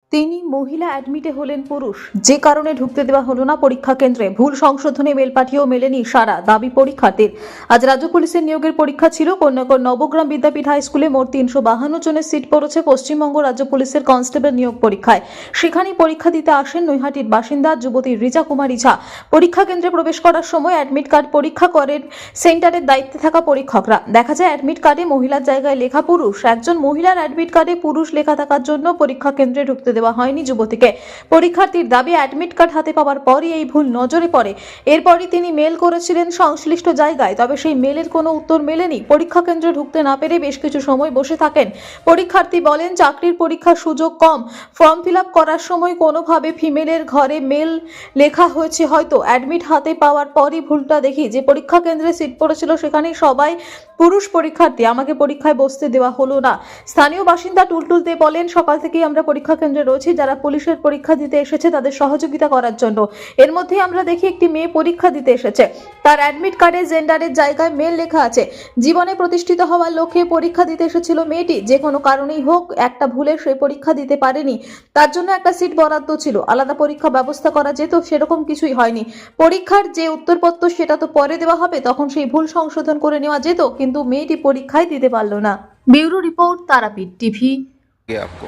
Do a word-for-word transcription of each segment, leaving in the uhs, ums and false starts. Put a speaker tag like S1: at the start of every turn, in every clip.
S1: তিনি মহিলা অ্যাডমিটে হলেন পুরুষ, যে কারণে ঢুকতে দেওয়া হলো না পরীক্ষা কেন্দ্রে। ভুল সংশোধনে মেল পাঠিয়েও মেলেনি সারা, দাবি পরীক্ষার্থীর। আজ রাজ্য পুলিশের নিয়োগের পরীক্ষা ছিল কন্যাকর নবগ্রাম বিদ্যাপীঠ হাই স্কুলে। মোট তিনশো বাহান্ন জনের সিট পড়েছে পশ্চিমবঙ্গ রাজ্য পুলিশের কনস্টেবল নিয়োগ পরীক্ষায়। সেখানেই পরীক্ষা দিতে আসেন নৈহাটির বাসিন্দা যুবতী রিজা কুমারী ঝা। পরীক্ষা কেন্দ্রে প্রবেশ করার সময় অ্যাডমিট কার্ড পরীক্ষা করেন সেন্টারের দায়িত্বে থাকা পরীক্ষকরা। দেখা যায় অ্যাডমিট কার্ডে মহিলার জায়গায় লেখা পুরুষ। একজন মহিলার অ্যাডমিট কার্ডে পুরুষ লেখা থাকার জন্য পরীক্ষা কেন্দ্রে ঢুকতে দেওয়া হয়নি যুবতীকে। পরীক্ষার্থীর দাবি, অ্যাডমিট কার্ড হাতে পাওয়ার পরই এই ভুল নজরে পড়ে। এরপরই তিনি মেল করেছিলেন সংশ্লিষ্ট জায়গায়, তবে সেই মেলের কোনো উত্তর মেলেনি। পরীক্ষা কেন্দ্রে ঢুকতে না পেরে বেশ কিছু সময় বসে থাকেন। পরীক্ষার্থী বলেন, চাকরির পরীক্ষার সুযোগ কম, ফর্ম ফিল আপ করার সময় কোনোভাবে ফিমেলের ঘরে মেল লেখা হয়েছে হয়তো। অ্যাডমিট হাতে পাওয়ার পরই ভুলটা দেখি। যে পরীক্ষা কেন্দ্রে সিট পড়েছিল সেখানেই সবাই পুরুষ পরীক্ষার্থী, আমাকে পরীক্ষায় বসতে দেওয়া হলো না। স্থানীয় বাসিন্দা টুলটুল দে বলেন, সকাল থেকেই আমরা পরীক্ষা কেন্দ্রে রয়েছি, যারা পুলিশের পরীক্ষা দিতে এসেছে তাদের সহযোগিতা করার জন্য। এর মধ্যে আমরা দেখি একটি মেয়ে পরীক্ষা দিতে এসেছে, তার অ্যাডমিট কার্ডে জেন্ডারের জায়গায় মেল লেখা আছে। জীবনে প্রতিষ্ঠিত হওয়ার লক্ষ্যে পরীক্ষা দিতে এসেছিল মেয়েটি। যে কোনো কারণেই হোক একটা ভুলে সে পরীক্ষা দিতে পারেনি, তার জন্য একটা সিট বরাদ্দ ছিল, আলাদা পরীক্ষা ব্যবস্থা করা যেত, সেরকম কিছুই হয়নি। পরীক্ষার যে উত্তরপত্র সেটা তো পরে দেওয়া হবে, তখন সেই ভুল সংশোধন করে নেওয়া যেত, কিন্তু মেয়েটি পরীক্ষায় দিতে পারল না। Bureau report, Tarapith TV.
S2: आपको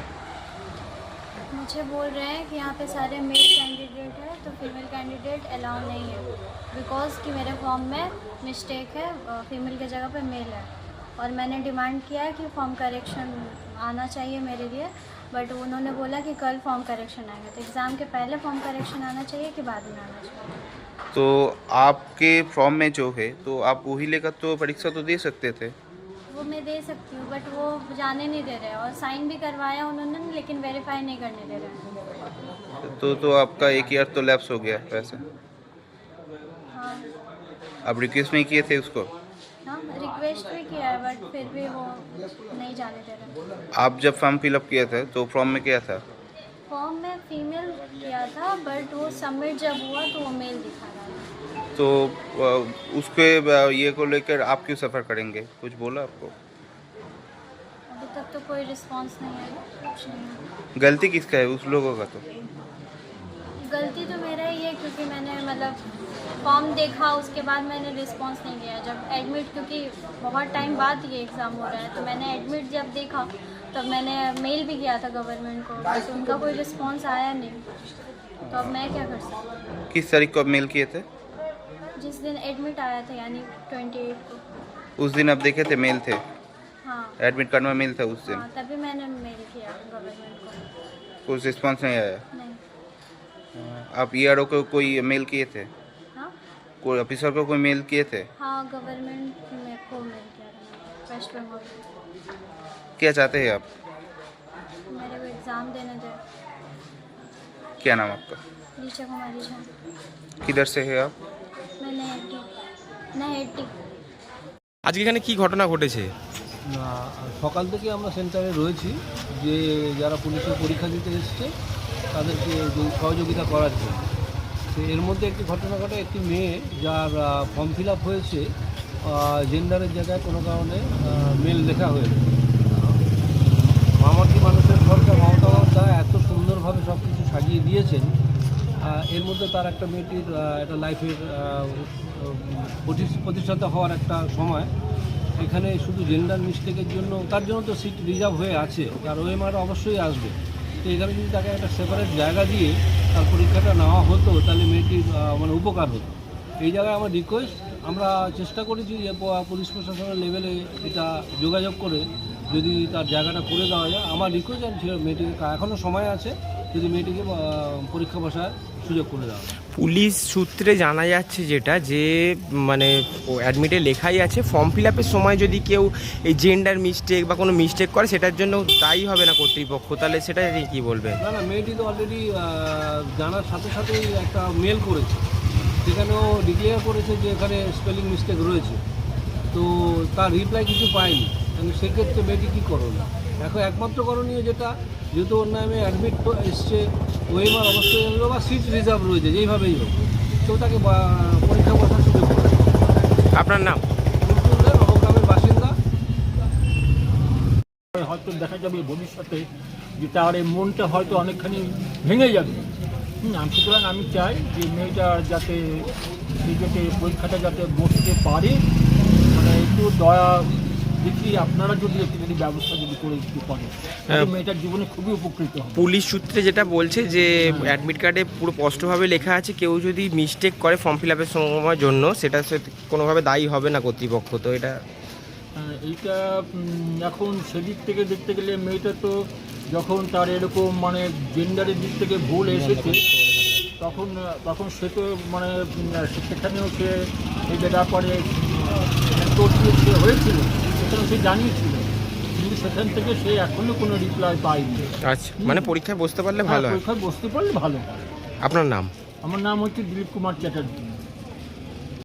S3: मुझे बोल रहे हैं कि यहाँ पे सारे मेल कैंडिडेट है तो फीमेल कैंडिडेट अलाउ नहीं है, बिकॉज कि मेरे फॉर्म में मिस्टेक है, फीमेल की जगह पे मेल है। और मैंने डिमांड किया है कि फॉर्म करेक्शन आना चाहिए मेरे लिए, बट उन्होंने बोला कि कल फॉर्म करेक्शन आएगा। तो एग्ज़ाम के पहले फॉर्म करेक्शन आना चाहिए कि बाद में आना चाहिए?
S2: तो आपके फॉर्म में जो है तो आप वही लेकर तो परीक्षा तो दे सकते थे।
S3: वो मैं दे सकती हूँ, बट वो जाने नहीं दे रहे, और साइन भी करवाया उन्होंने, लेकिन वेरीफाई नहीं करने दे रहे।
S2: तो तो आपका एक ईयर तो लैप्स हो गया वैसे।
S3: हाँ
S2: आप रिक्वेस्ट नहीं किए थे उसको?
S3: हाँ, रिक्वेस्ट भी किया है, बट फिर भी वो नहीं जाने दे रहे।
S2: आप जब फॉर्म फिलअप किए थे तो फॉर्म में क्या था?
S3: फॉर्म में फीमेल किया था, बट वो सबमिट जब हुआ तो वो मेल दिखा रहा था।
S2: तो अ, उसके अ, ये को लेकर आप क्यों सफ़र करेंगे? कुछ बोला आपको?
S3: अभी तक तो कोई रिस्पांस नहीं आया, कुछ नहीं।
S2: गलती किसका है? उस लोगों का तो।
S3: गलती तो मेरा ही है, क्योंकि मैंने मतलब फॉर्म देखा, उसके बाद मैंने रिस्पांस नहीं किया। जब एडमिट, क्योंकि बहुत टाइम बाद ये एग्ज़ाम हो रहा है, तो मैंने एडमिट जब देखा तब मैंने मेल भी किया था गवर्नमेंट को, तो उनका कोई रिस्पांस आया नहीं। तो अब मैं क्या कर सकती हूँ?
S2: किस तारीख को आप मेल किए थे?
S3: जिस दिन एडमिट आया था, यानी ट्वेंटी एट को।
S2: उस दिन आप देखे थे मेल थे?
S3: हाँ
S2: एडमिट कार्ड में मेल था उस दिन?
S3: हाँ, तभी मैंने मेल किया गवर्नमेंट को।
S2: कुछ रिस्पॉन्स नहीं आया?
S3: नहीं।
S2: आप ई आर ओ को कोई मेल किए थे?
S3: हाँ
S2: कोई ऑफिसर को कोई मेल किए थे?
S3: हाँ, गवर्नमेंट में को मेल किया था वेस्ट बंगाल।
S2: क्या चाहते हैं आप?
S3: मेरे को एग्ज़ाम देने दे।
S2: क्या नाम आपका?
S3: रीचा कुमारी झा।
S2: किधर से है आप?
S3: मैं नहेटी नहेटी
S4: আজকে এখানে কি ঘটনা ঘটেছে?
S5: না, সকাল থেকে আমরা সেন্টারে রয়েছি, যে যারা পুলিশের পরীক্ষা দিতে এসছে তাদেরকে যে সহযোগিতা করার জন্য। তো এর মধ্যে একটি ঘটনা ঘটে, একটি মেয়ে যার ফর্ম ফিল আপ হয়েছে জেন্ডারের জায়গায় কোনো কারণে মেল লেখা হয়েছে। মামাটি মানুষের সরকার মমতা বন্দ্যোপাধ্যায় এত সুন্দরভাবে সব কিছু সাজিয়ে দিয়েছেন, এর মধ্যে তার একটা মেয়েটির একটা লাইফের প্রতিষ্ঠাতা হওয়ার একটা সময়, এখানে শুধু জেন্ডার মিস্টেকের জন্য, তার জন্য তো সিট রিজার্ভ হয়ে আছে, তার ওএমআর অবশ্যই আসবে। তো এখানে যদি তাকে একটা সেপারেট জায়গা দিয়ে তার পরীক্ষাটা নেওয়া হতো, তাহলে মেয়েটির মানে উপকার হতো। এই জায়গায় আমার রিকোয়েস্ট, আমরা চেষ্টা করেছি যে পুলিশ প্রশাসনের লেভেলে এটা যোগাযোগ করে যদি তার জায়গাটা করে দেওয়া যায়। আমার রিকোয়েস্ট ছিল মেয়েটিকে, এখনও সময় আছে, যদি মেয়েটিকে পরীক্ষা বসার সুযোগ করে দেওয়া হয়।
S4: পুলিশ সূত্রে জানা যাচ্ছে যেটা, যে মানে অ্যাডমিটে লেখাই আছে ফর্ম ফিল আপের সময় যদি কেউ এই জেন্ডার মিস্টেক বা কোনো মিস্টেক করে সেটার জন্য দায়ী হবে না কর্তৃপক্ষ, তাহলে সেটা নিয়ে কী বলবেন?
S5: না না, মেয়েটি তো অলরেডি জানার সাথে সাথেই একটা মেল করেছে, সেখানেও ডিক্লেয়ার করেছে যে এখানে স্পেলিং মিস্টেক রয়েছে। তো তার রিপ্লাই কিছু পায়নি, মানে সেক্ষেত্রে মেয়েটি কী করবে? এখন একমাত্র করণীয় যেটা, যেহেতু ওর নামে অ্যাডমিট এসছে, ওএমআর অবশ্যই হলো বা সিট রিজার্ভ রয়েছে, যেইভাবেই হোক, তো তাকে পরীক্ষা বসার সুযোগ করে।
S4: আপনার নাম?
S5: নবগ্রামের বাসিন্দা।
S6: হয়তো দেখা যাবে ভবিষ্যতে যে তার এই মনটা হয়তো অনেকখানি ভেঙে যাবে। হুম, আমি সুতরাং আমি চাই যে মেয়েটা যাতে নিজেকে পরীক্ষাটা যাতে বসতে পারে, মানে একটু দয়া দেখি আপনারা যদি একটু যদি ব্যবস্থা যদি করে একটু করেন, তাহলে মেয়েটার জীবনে খুবই উপকৃত হবে।
S4: পুলিশ সূত্রে যেটা বলছে যে অ্যাডমিট কার্ডে পুরো স্পষ্টভাবে লেখা আছে কেউ যদি মিস্টেক করে ফর্ম ফিল আপের সময়ের জন্য সেটা সে কোনোভাবে দায়ী হবে না কর্তৃপক্ষ। তো এটা
S6: হ্যাঁ, এইটা উম, এখন সেদিক থেকে দেখতে গেলে মেয়েটা তো যখন তার এরকম মানে জেন্ডারের দিক থেকে ভুল এসেছে তখন তখন সে তো মানে উম, সেখানেও সে এই ব্যাপারে তোর সে হয়েছিল, সেখানে সে জানিয়েছিল, কিন্তু সেখান থেকে সে এখনও কোনো রিপ্লাই পায়নি।
S4: আচ্ছা, মানে পরীক্ষায় বসতে পারলে ভালো হয়।
S6: পরীক্ষায় বসতে পারলে ভালো হয়।
S4: আপনার নাম?
S6: আমার নাম হচ্ছে দিলীপ কুমার চ্যাটার্জি।